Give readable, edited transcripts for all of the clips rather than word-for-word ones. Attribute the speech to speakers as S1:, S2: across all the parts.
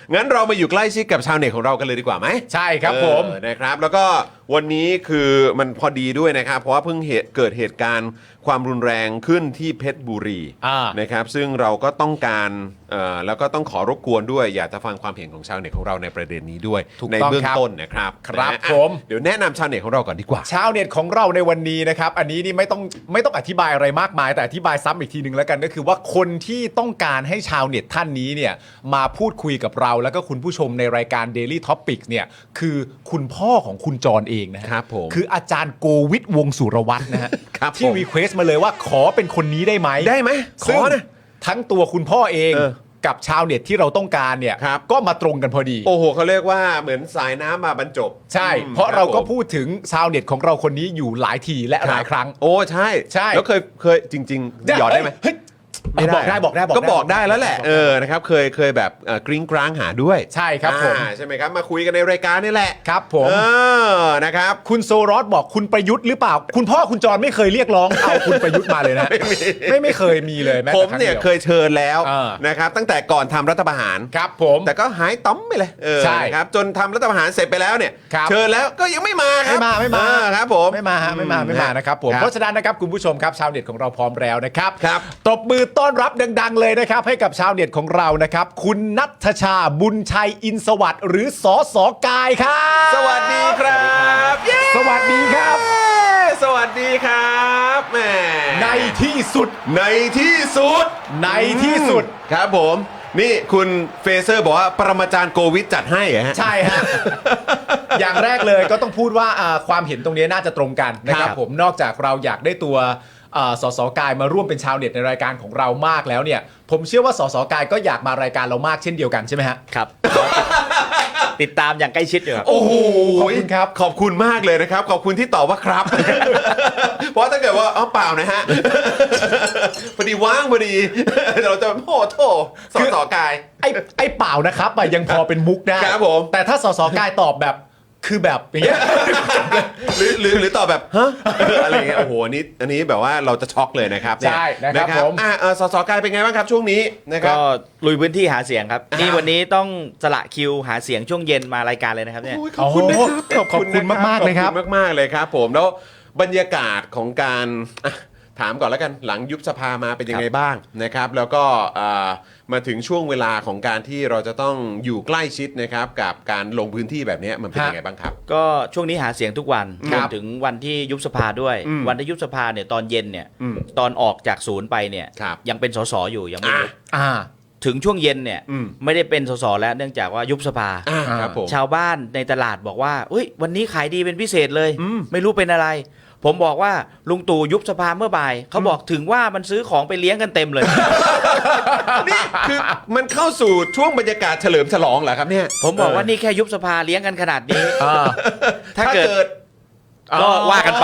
S1: งั้นเรามาอยู่ใกล้ชิดกับชาวเน็ตของเรากันเลยดีกว่าไหม
S2: ใช่ครับผม
S1: นะครับแล้วก็วันนี้คือมันพอดีด้วยนะครับเพราะว่าเพิ่งเกิดเหตุการณ์ความรุนแรงขึ้นที่เพชรบุรีนะครับซึ่งเราก็ต้องการแล้วก็ต้องขอรบกวนด้วยอยากจะฟังความเห็นของชาวเน็ตของเราในประเด็นนี้ด้วยในเบื้องต้นนะครับ
S2: ครับผม
S1: เดี๋ยวแนะนำชาวเน็ตของเราก่อนดีกว่า
S2: ชาวเน็ตของเราในวันนี้นะครับอันนี้นี่ไม่ต้องอธิบายอะไรมากมายแต่อธิบายซ้ำอีกทีนึงแล้วกันก็คือว่าคนที่ต้องการให้ชาวเน็ตท่านนี้เนี่ยมาพูดคุยกับเราแล้วก็คุณผู้ชมในรายการ Daily Topics เนี่ยคือคุณพ่อของคุณจรเองนะครับ
S1: ผม
S2: คืออาจารย์โกวิทวงศ์สุรวัตรนะฮะ
S1: ครับ
S2: ที่
S1: ผม
S2: รีเควสต์มาเลยว่าขอเป็นคนนี้ได้ไหม
S1: ได้ไหมข
S2: ซึ่ง
S1: อนะ
S2: ทั้งตัวคุณพ่อเอง
S1: เออ
S2: กับชาวเน็ตที่เราต้องการเนี่ย
S1: ครับ
S2: ก็มาตรงกันพอดี
S1: โอ้โหเขาเรียกว่าเหมือนสายน้ำมาบรรจบ
S2: ใช่ เพราะเราก็พูดถึงชาวเน็ตของเราคนนี้อยู่หลายทีและหลายครั้ง
S1: โอ้ใช่
S2: ใช่
S1: แล้วเคยจริงๆหยอดได้ไหม
S2: เฮ้ย
S1: ไม่ได้
S2: บอกได้
S1: ก็บอกได้แล้วแหละนะครับเคยแบบกริ้งกร้างหาด้วย
S2: ใช่ครับผม
S1: ใช่ไหมครับมาคุยกันในรายการนี่แหละ
S2: ครับผม
S1: นะครับ
S2: คุณโซรอสบอกคุณประยุทธ์หรือเปล่า คุณพ่อคุณจรไม่เคยเรียกร้องเอาคุณประยุทธ์มาเลยนะ ไม่เคยมีเลยแม้
S1: ผ
S2: แต่
S1: ม
S2: ครั้ง
S1: เนี่ย
S2: ดีว
S1: เคยเชิญแล้ว
S2: เออ
S1: นะครับตั้งแต่ก่อนทำรัฐประหาร
S2: ครับผม
S1: แต่ก็หายต้อมไปเลย
S2: ใช่
S1: นะครับจนทำรัฐประหารเสร็จไปแล้วเนี่ย
S2: ครับ
S1: เชิญแล้วก็ยังไม่มาครับ
S2: ไม่มา
S1: ครับผม
S2: ไม่มานะครับผม
S1: ครับ
S2: เพราะฉะนั้นนะครับคุณผู้ชมครับชาวเน็ตของเราพร้อมแล้วนะครับ
S1: ครับ
S2: ตบมือต้อนรับดังๆเลยนะครับให้กับชาวเน็ตของเรานะครับคุณนัทชาบุญชัยอินสวัสดิ์หรือสสกายครับ
S1: สวัสดีครับเย้
S2: สวัสดีครับ
S1: สวัสดีครับแหม
S2: ในที่สุด
S1: ในที่สุด
S2: ในที่สุด
S1: ครับผม นี่คุณเฟเซอร์บอกว่าปรมาจารย์โกวิทจัดให้เหรอฮะ
S2: ใช่ฮะ อย่างแรกเลยก็ต้องพูดว่าความเห็นตรงนี้น่าจะตรงกันนะครับ
S1: ครับ
S2: ผมนอกจากเราอยากได้ตัวสสกายมาร่วมเป็นชาวเน็ตในรายการของเรามากแล้วเนี่ยผมเชื่อว่าสสกายก็อยากมารายการเรามากเช่นเดียวกันใช่ไหมฮะ
S3: ครับ ติดตามอย่างใกล้ชิดอยู่ครับ
S1: โอ้โห
S2: ขอบคุณครับ
S1: ขอบคุณมากเลยนะครับ ขอบคุณที่ตอบว่าครับ เพราะถ้าเกิดว่าเปล่านะฮะ พอดีว่างพอดี เราจะโอ้โถสอสอกาย
S2: ไอ้เปล่านะครับยังพอเป็นมุกได้
S1: ครับผม
S2: แต่ถ้าสสกายตอบแบบคือแบบอย่างเงี้ย
S1: หรือตอบแบบฮะอะไรอย่างเงี้ยโอ้โหอันนี้แบบว่าเราจะช็อกเลยนะครับเนี่ย
S2: ใช่นะครับผม
S1: สสกายเป็นไงบ้างครับช่วงนี้นะครับ
S3: ก็ลุยพื้นที่หาเสียงครับ นี่วันนี้ต้องสละคิวหาเสียงช่วงเย็นมารายการเลยนะครับเนี่ย
S1: โอ้ยขอบคุณนะครับ
S2: ขอบคุณมากๆเลยครับ
S1: ขอบคุณมากๆเลยครับผมแล้วบรรยากาศของการถามก่อนแล้วกันหลังยุบสภามาเป็นยังไงบ้างนะครับแล้วก็มาถึงช่วงเวลาของการที่เราจะต้องอยู่ใกล้ชิดนะครับกับการลงพื้นที่แบบนี้มันเป็นยังไงบ้างครับ
S3: ก็ช่วงนี้หาเสียงทุกวัน
S1: ค
S3: ร
S1: รั
S3: ว
S1: บ
S3: มถึงวันที่ยุบสภาด้วย วันที่ยุบสภาเนี่ยตอนเย็นเนี่ย
S1: อืม
S3: ตอนออกจากศูนย์ไปเนี่ย
S1: ครับ
S3: ยังเป็นสสอยู่ยังไม่ยุบ
S2: อ่า
S3: ถึงช่วงเย็นเนี่ย
S1: อืม
S3: ไม่ได้เป็นสสแล้วเนื่องจากว่ายุบสภา
S1: ครับผม
S3: ชาวบ้านในตลาดบอกว่าเฮ้ยวันนี้ขายดีเป็นพิเศษเลย ไม่รู้เป็นอะไร ผมบอกว่าลุงตู่ยุบสภาเมื่อบ่ายเขาบอกถึงว่ามันซื้อของไปเลี้ยงกันเต็มเลย
S1: นี่คือมันเข้าสู่ช่วงบรรยากาศเฉลิมฉลองเหรอครับเนี่ย
S3: ผมบอกว่านี่แค่ยุบสภาเลี้ยงกันขนาดนี้ ถ้าเกิด ก็ว่ากันไป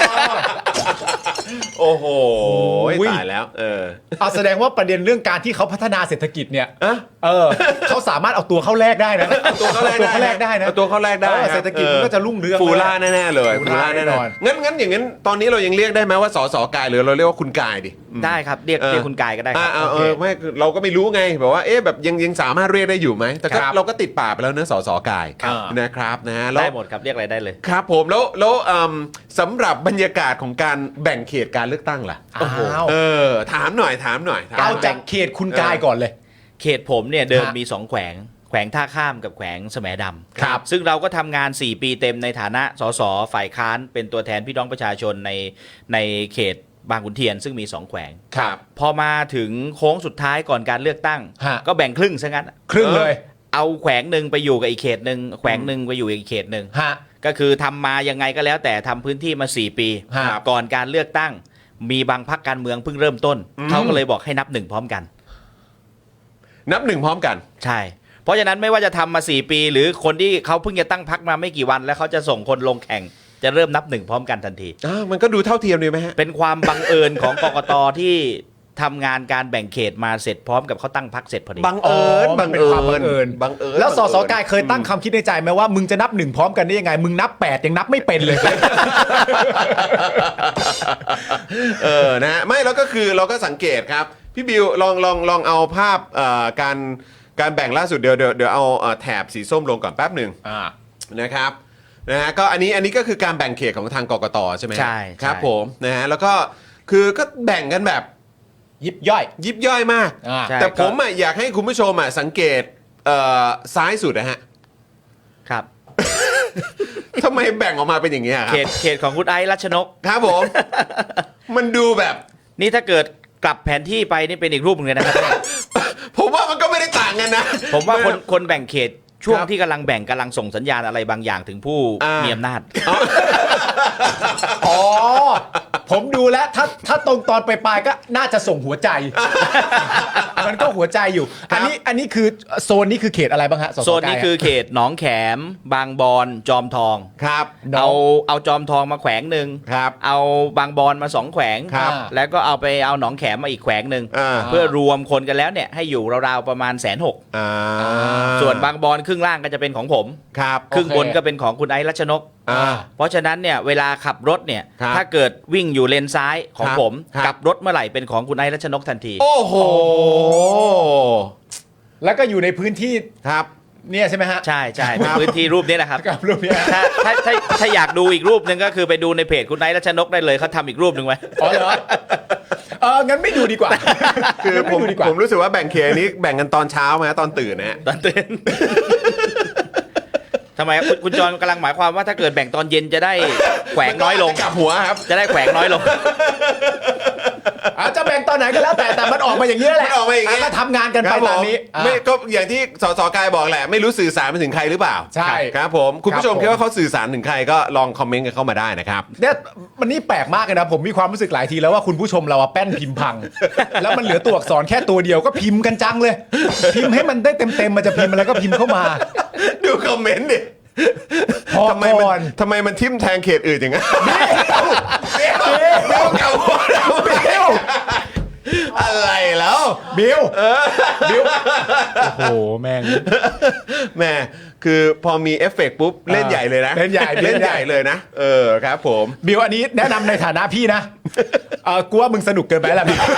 S1: โอ้โห
S2: อุ้ย
S1: ตายแล้ว
S2: แสดงว่าประเด็นเรื่องการที่เขาพัฒนาเศรษฐกิจเนี่ย
S1: อะ
S2: เขาสามารถเอาตัวเข้าแลกได้นะ
S1: ตัวเขาแรกได้นะ
S2: เอา
S1: ตัวเขาแรกได้
S2: เศรษฐกิจมันก็จะรุ่งเรือง
S1: ฟูล่าแน่ๆเลย
S2: ฟูล่าแน่นอน
S1: งั้นอย่างนั้นตอนนี้เรายังเรียกได้ไหมว่าสสกายหรือเราเรียกว่าคุณกายดิ
S3: ได้ครับเรียกคุณกายก็ได้ครับ
S1: ไม่คือเราก็ไม่รู้ไงแบบว่าแบบยังสามารถเรียกได้อยู่ไหมแต่ก็
S2: ครับ
S1: เราก็ติดปากไปแล้วเนอะสสกาย
S2: ครับ
S1: นะครับนะฮะแล้ว
S3: ได้หมดครับเรียกอะไรได้เลย
S1: ครับผมแล้วสำหรับบรรยากาศของการแบ่งเขตการเลือกตั้งล่ะ
S2: อ้าว
S1: ถามหน่อย
S2: เอาจากเขตคุณกายก่อนเลย
S3: เขตผมเนี่ยเดิม
S2: ฮะ
S3: มี2แขวงแขวงท่าข้ามกับแขวงแสมดำ
S2: ครับ
S3: ซึ่งเราก็ทำงาน 4 ปีเต็มในฐานะสสฝ่ายค้านเป็นตัวแทนพี่น้องประชาชนในเขตบางขุนเทียนซึ่งมี2แขวง
S1: ครับ
S3: พอมาถึงโค้งสุดท้ายก่อนการเลือกตั้ง
S2: ฮะ
S3: ก็แบ่งครึ่งซะงั้น
S2: ครึ่งเลย
S3: เอาแขวงหนึ่งไปอยู่กับอีกเขตหนึ่งแขวงหนึ่งไปอยู่อีกเขตหนึ่ง
S2: ฮะ
S3: ก็คือทำมายังไงก็แล้วแต่ทำพื้นที่มา 4 ปี
S2: ครับ
S3: ก่อนการเลือกตั้ง มีบางพรรคการเมืองเพิ่งเริ่มต้น เขาก็เลยบอกให้นับหนึ่งพร้อมกัน
S1: นับหนึ่งพร้อมกัน
S3: ใช่ เพราะฉะนั้นไม่ว่าจะทำมา 4 ปี หรือคนที่เขาเพิ่งจะตั้งพรรคมาไม่กี่วัน แล้วเขาจะส่งคนลงแข่ง จะเริ่มนับหนึ่งพร้อมกันทันที
S1: มันก็ดูเท่าเทียมดีไหมฮะ
S3: เป็นความบังเอิญของกกตที่ทำงานการแบ่งเขตมาเสร็จพร้อมกับเขาตั้งพรรคเสร็จพอดี
S1: บังเอิญ
S2: มันเป็นความบังเอิญ
S1: บังเอิญ
S2: แล้วสสกายเคยตั้งคำคิดในใจไหมว่ามึงจะนับหนึ่งพร้อมกันได้ยังไง มึงนับ8ยังนับไม่เป็นเลย
S1: นะฮะไม่แล้วก็คือเราก็สังเกตครับ พี่บิวลองเอาภาพการแบ่งล่าสุดเดี๋ยวเอาแถบสีส้มลงก่อนแป๊บหนึ่งนะครับนะฮะก็อันนี้ก็คือการแบ่งเขตของทางกกตใช่ไหม
S3: ใช่
S1: ครับผมนะฮะแล้วก็คือก็แบ่งกันแบบ
S2: ยิบย่อย
S1: ยิบย่อยมาก
S3: ใช่
S1: แต่ผมอ่ะอยากให้คุณผู้ชมอ่ะสังเกตซ้ายสุดนะฮะ
S3: ครับ
S1: ทำไมแบ่งออกมาเป็นอย่างนี้ยครั
S3: เขตของคุณไอซ์รัชนก
S1: ครับผม มันดูแบบ
S3: นี่ถ้าเกิดกลับแผนที่ไปนี่เป็นอีกรูปหนึงเลยนะครับ
S1: ผมว่ามันก็ไม่ได้ต่างกันนะ
S3: ผมว่าคนแบ่งเขตช่วง
S1: ครับ
S3: ที่กำลังแบ่งกำลังส่งสัญญาณอะไรบางอย่างถึงผู้ มีอำนาจ
S2: อ๋อ ผมดูแล้วถ้าตรงตอนปลายๆก็น่าจะส่งหัวใจ มันก็หัวใจอยู่
S1: ครับ
S2: อันนี้คือโซนนี้คือเขตอะไรบ้างฮะสส
S3: โซนนี้คือเขตหนองแขม บางบอนจอมทอง
S1: ครับ
S3: เอาจอมทองมาแขวงหนึ่ง
S1: ครับ
S3: เอาบางบอนมา2แขวง
S1: ครับ
S3: แล้วก็เอาหนองแขมมาอีกแขวงหนึ่ง
S1: อ่า
S3: เพื่อรวมคนกันแล้วเนี่ยให้อยู่ราวๆประมาณ160,000
S1: อ่า
S3: ส่วนบางบอนครึ่งล่างก็จะเป็นของผม
S1: ครับ
S3: ครึ่งบนก็เป็นของคุณไอซ์รัชนก
S1: อ่า
S3: เพราะฉะนั้นเนี่ยเวลาขับรถเนี่ย
S1: ครับ
S3: ถ้าเกิดวิ่งอยู่เลนซ้ายของ
S1: ครับ
S3: ผม
S1: ครับ
S3: กลับรถเมื่อไหร่เป็นของคุณไอซ์รัชนกทันที
S1: โอ้โห
S2: แล้วก็อยู่ในพื้นที่
S1: ครับ
S2: เนี่ยใช่ไหมฮะ
S3: ใช่ใช่พื้นที่รูปนี้แหละครับ
S2: กับรูปเนี้ย
S3: ถ้าอยากดูอีกรูปหนึ่งก็คือไปดูในเพจคุณไอซ์รัชนกได้เลยเขาทำอีกรูปหนึ่งไว้
S2: อ๋อเหรองั้นไม่ดูดีกว่า
S1: คือ
S2: งั้น
S1: ผม
S2: ไดูดีกว่า
S1: ผมรู้สึกว่าแบ่งเขตนี้แบ่งกันตอนเช้าไหมตอนตื่นนะฮะ
S3: ตอนตื่น ทำไมครับคุณจรกำลังหมายความว่าถ้าเกิดแบ่งตอนเย็นจะได้แขวงน้อยลง
S1: กลับหัวครับ
S3: จะได้แขวงน้อยลง
S2: อาจจะแบ่งตอนไหนก็แล้วแต่มันออกมาอย่างนี้แหละ
S1: มันออกมาอย่างนี้
S2: ก็ทำงานกันไปตามนี้
S1: ครับผมไม่ก็อย่างที่สสกายบอกแหละ ไม่รู้สื่อสารไปถึงใครหรือเปล่า
S2: ใช่
S1: ครับผมคุณผู้ชม
S2: ครับผม
S1: คิดว่าเขาสื่อสารถึงใครก็ลองคอมเมนต์กันเข้ามาได้นะครับ
S2: เนี่ยมันนี่แปลกมากเลยนะผมมีความรู้สึกหลายทีแล้วว่าคุณผู้ชมเราอะแป้นพิมพ์พัง แล้วมันเหลือตัวอักษรแค่ตัวเดียวก็พิมพ์กันจังเลย พิมพ์ให้มันได้เต็มๆมันจะพิมพ์อะไรก็พิมพ์เข้ามา
S1: ดูคอมเมนต์ดิ
S2: พอ
S1: ทำไม
S2: ก่อน
S1: ทำไมมันทิ่มแทงเขตอื่นอย่างนั้นเดี๋ยวกลับหัวแล้ว
S2: บิว
S1: อะไรแล้ว
S2: บิวโอ้โหแม่ง
S1: แม่คือพอมีเอฟเฟกต์ปุ๊บเล่นใหญ่เลยนะ
S2: เล่นใหญ่
S1: เล่นใหญ่เลยนะครับผม
S2: บิวอันนี้แนะนำในฐานะพี่นะกูว่ามึงสนุกเกินไปแล้วบิว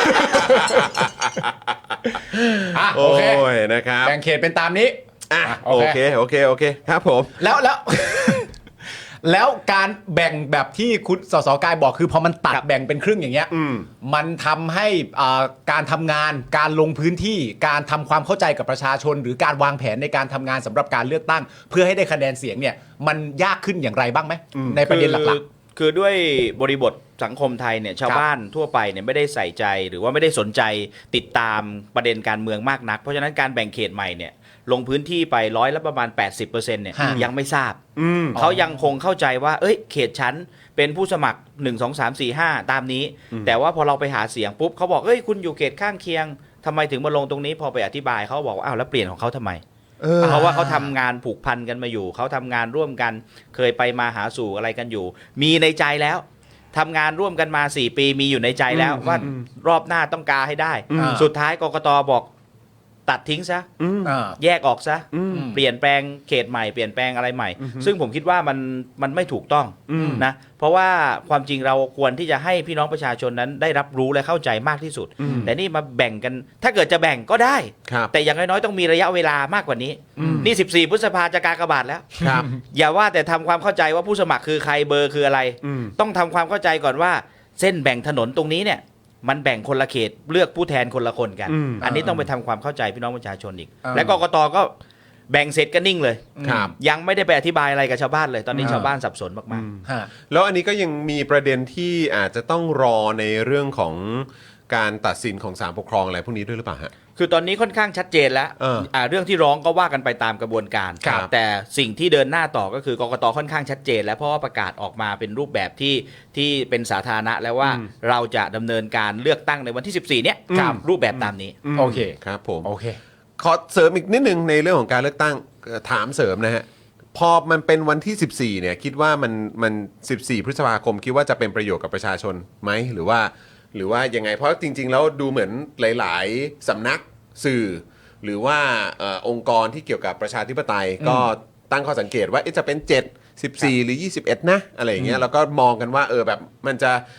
S2: อ่ะโอ
S1: โอ้
S2: เค
S1: ยนะครับ
S2: แบ่งเขตเป็นตามนี้
S1: อ่ะ
S2: อ่ะ
S1: โอเคครับผม
S2: แล้ว แล้วการแบ่งแบบที่คุณสสกายบอกคือพอมันตัด
S3: ครับ
S2: แบ่งเป็นครึ่งอย่างเงี้ยมันทำให้การทำงานการลงพื้นที่การทำความเข้าใจกับประชาชน หรือการวางแผนในการทำงานสำหรับการเลือกตั้ง เพื่อให้ได้คะแนนเสียงเนี่ยมันยากขึ้นอย่างไรบ้างไหมในประเด็นหลัก
S3: คือด้วยบริบทสังคมไทยเนี่ยชาวบ้านทั่วไปเนี่ยไม่ได้ใส่ใจหรือว่าไม่ได้สนใจติดตามประเด็นการเมืองมากนัก เพราะฉะนั้นการแบ่งเขตใหม่เนี่ยลงพื้นที่ไปประมาณ 80%เนี่ย
S2: ฮะ
S3: ยังไม่ทราบเขายังคงเข้าใจว่าเอ้ยเขตชั้นเป็นผู้สมัคร 1 2 3 4 5 ตามนี้ แต่ว่าพอเราไปหาเสียงปุ๊บเขาบอกเอ้ยคุณอยู่เขตข้างเคียงทำไมถึงมาลงตรงนี้พอไปอธิบายเขาบอกว่าอ้าวแล้วเปลี่ยนของเขาทำไม เพราะว่าเขาทำงานผูกพันกันมาอยู่เขาทำงานร่วมกันเคยไปมาหาสู่อะไรกันอยู่ มีในใจแล้วทำงานร่วมกันมา4 ปีมีอยู่ในใจแล้วว่ารอบหน้าต้องกาให้ได้ สุดท้ายกกตบอกตัดทิ้งซะ
S2: ๆ
S3: แยกออกซะเปลี่ยนแปลงเขตใหม่เปลี่ยนแปลงอะไรใหม่ ซึ่งผมคิดว่ามันไม่ถูกต้องนะเพราะว่าความจริงเราควรที่จะให้พี่น้องประชาชนนั้นได้รับรู้และเข้าใจมากที่สุด แต่นี่มาแบ่งกันถ้าเกิดจะแบ่งก็ได้
S1: ครับ
S3: แต่อย่างน้อยๆต้องมีระยะเวลามากกว่านี้นี่14 พฤษภาจะกากบาทแล้ว
S1: ครับ
S3: อย่าว่าแต่ทำความเข้าใจว่าผู้สมัครคือใครเบอร์คืออะไร ต้องทำความเข้าใจก่อนว่าเส้นแบ่งถนนตรงนี้เนี่ยมันแบ่งคนละเขตเลือกผู้แทนคนละคนกัน อันนี้ต้องไปทำความเข้าใจพี่น้องประชาชนอีก และกกตก็แบ่งเสร็จก็นิ่งเลย
S1: ครับ
S3: ยังไม่ได้ไปอธิบายอะไรกับชาวบ้านเลย ตอนนี้ชาวบ้านสับสนมาก
S2: ฮะ
S1: แล้วอันนี้ก็ยังมีประเด็นที่อาจจะต้องรอในเรื่องของการตัดสินของศาลปกครองอะไรพวกนี้ด้วยหรือเปล่าฮะ
S3: ๆ คือตอนนี้ค่อนข้างชัดเจนแล้ว เรื่องที่ร้องก็ว่ากันไปตามกระบวนการ
S1: ครับ
S3: แต่สิ่งที่เดินหน้าต่อก็คือกกตค่อนข้างชัดเจน แล้วเพราะว่าประกาศออกมาเป็นรูปแบบที่เป็นสาธารณะแล้วว่าเราจะดำเนินการเลือกตั้งในวันที่ 14 เนี้ยรูปแบบตามนี้
S2: โอเค
S1: ครับผม
S2: โอเค
S1: ขอเสริมอีกนิดนึงในเรื่องของการเลือกตั้งถามเสริมนะฮะพอมันเป็นวันที่ 14เนี่ยคิดว่ามัน14 พฤษภาคมคิดว่าจะเป็นประโยชน์กับประชาชนไหมหรือว่ายังไงเพราะจริง ๆ แล้วดูเหมือนหลาย ๆสำนักสื่อ หรือว่าองค์กรที่เกี่ยวกับประชาธิปไตยก็ตั้งข้อสังเกตว่าจะเป็น7 14 หรือ 21 นะอะไรอย่างเงี้ยแล้วก็มองกันว่าแบบมันจะ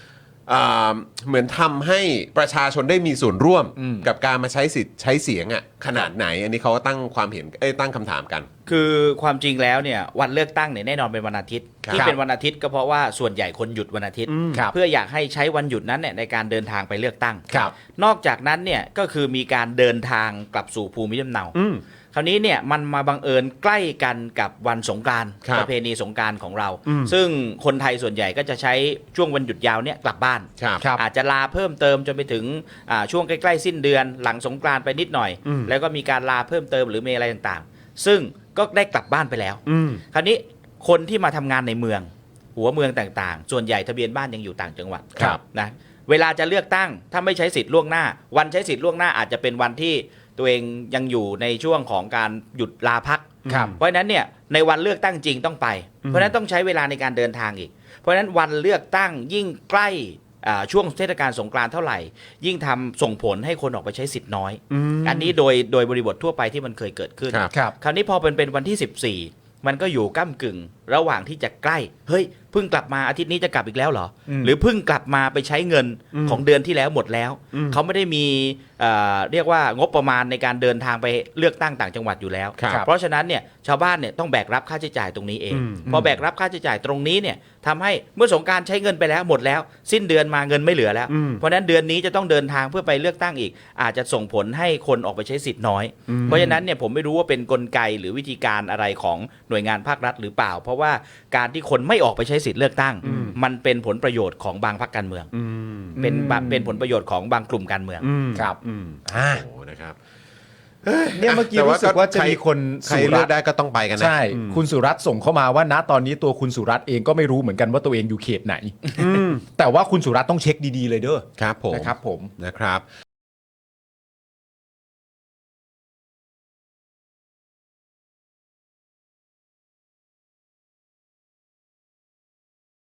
S1: เหมือนทำให้ประชาชนได้มีส่วนร่วมกับการมาใช้สิทธิ์ใช้เสียงขนาดไหนอันนี้เขาก็ตั้งความเห็นตั้งคำถามกัน
S3: คือความจริงแล้วเนี่ยวันเลือกตั้งเนี่ยแน่นอนเป็นวันอาทิตย์
S1: ครับ
S3: ที่เป็นวันอาทิตย์ก็เพราะว่าส่วนใหญ่คนหยุดวันอาทิตย์
S2: ครับ
S3: เพื่ออยากให้ใช้วันหยุดนั้นเนี่ยในการเดินทางไปเลือกตั้ง
S2: ครับ
S3: นอกจากนั้นเนี่ยก็คือมีการเดินทางกลับสู่ภูมิลำเนาคราวนี้เนี่ยมันมาบังเอิญใกล้กันกับวันสงกรานต์
S1: ครับ
S3: ประเพณีสงกรานต์ของเรา ซึ่งคนไทยส่วนใหญ่ก็จะใช้ช่วงวันหยุดยาวเนี่ยกลับบ้าน
S1: ครับ
S2: ครับ
S3: อาจจะลาเพิ่มเติมจนไปถึงช่วงใกล้ๆสิ้นเดือนหลังสงกรานต์ไปนิดหน่อย แล้วก็มีการลาเพิ่มเติมหรือมีอะไรต่างๆ ซึ่งก็ได้กลับบ้านไปแล้ว คราวนี้คนที่มาทำงานในเมืองหัวเมืองต่างๆ ส่วนใหญ่ทะเบียนบ้านยังอยู่ต่างจังหวัด
S1: ครับ
S3: นะเวลาจะเลือกตั้งถ้าไม่ใช้สิทธิ์ล่วงหน้า วันใช้สิทธิ์ล่วงหน้าอาจจะเป็นวันที่ตัวเองยังอยู่ในช่วงของการหยุดลาพัก
S2: ครับ
S3: เพราะฉะนั้นเนี่ยในวันเลือกตั้งจริงต้องไป เพราะฉะนั้นต้องใช้เวลาในการเดินทางอีก เพราะฉะนั้นวันเลือกตั้งยิ่งใกล้ช่วงเทศกาลสงกรานต์เท่าไหร่ ยิ่งทำส่งผลให้คนออกไปใช้สิทธิ์น้อย อันนี้โดยบริบททั่วไปที่มันเคยเกิดขึ้น
S1: ครับ
S2: ครับ
S3: คราวนี้พอเป็นวันที่ 14 มันก็อยู่ก้ากึ่ง ระหว่างที่จะใกล้เฮ้ยเพิ่งกลับมาอาทิตย์นี้จะกลับอีกแล้วเหรอ หรือเพิ่งกลับมาไปใช้เงินของเดือนที่แล้วหมดแล้ว เขาไม่ได้มีเรียกว่างบประมาณในการเดินทางไปเลือกตั้งต่างจังหวัดอยู่แล้ว
S1: ครับ
S3: เพราะฉะนั้นเนี่ยชาวบ้านเนี่ยต้องแบกรับค่าใช้จ่ายตรงนี้เอง พอแบกรับค่าใช้จ่ายตรงนี้เนี่ยทำให้เมื่อสงกรานต์ใช้เงินไปแล้วหมดแล้ว สิ้นเดือนมาเงินไม่เหลือแล้ว เพราะฉะนั้นเดือนนี้จะต้องเดินทางเพื่อไปเลือกตั้งอีก อาจจะส่งผลให้คนออกไปใช้สิทธิ์น้อย เพราะฉะนั้นเนี่ยผมไม่รู้ว่าเป็นกลไกหรือวิธีการอะไรของหน่วยงานภาครัฐหรือเปล่า เพราะว่าการที่คนไม่ออกไปใช้สิทธิ์เลือกตั้ง มันเป็นผลประโยชน์ของบางพรรคการเมืองเป็นผลประโยชน์ของบางกลุ่มการเมือง
S2: ครับ
S1: โอ้
S2: อ่า
S1: โหนะครับ
S2: เนี่ยเมื่อกี้รู้สึกว่าจะมีคน
S1: ใครเลือกได้ก็ต้องไปกันนะ
S2: ใช่ คุณสุรัตน์ส่งเข้ามาว่าณตอนนี้ตัวคุณสุรัตน์เองก็ไม่รู้เหมือนกันว่าตัวเองอยู่เขตไหนแต่ว่าคุณสุรัตน์ต้องเช็คดีๆเลยเด้อ
S1: ครับผม
S2: นะครับผม
S1: นะครับ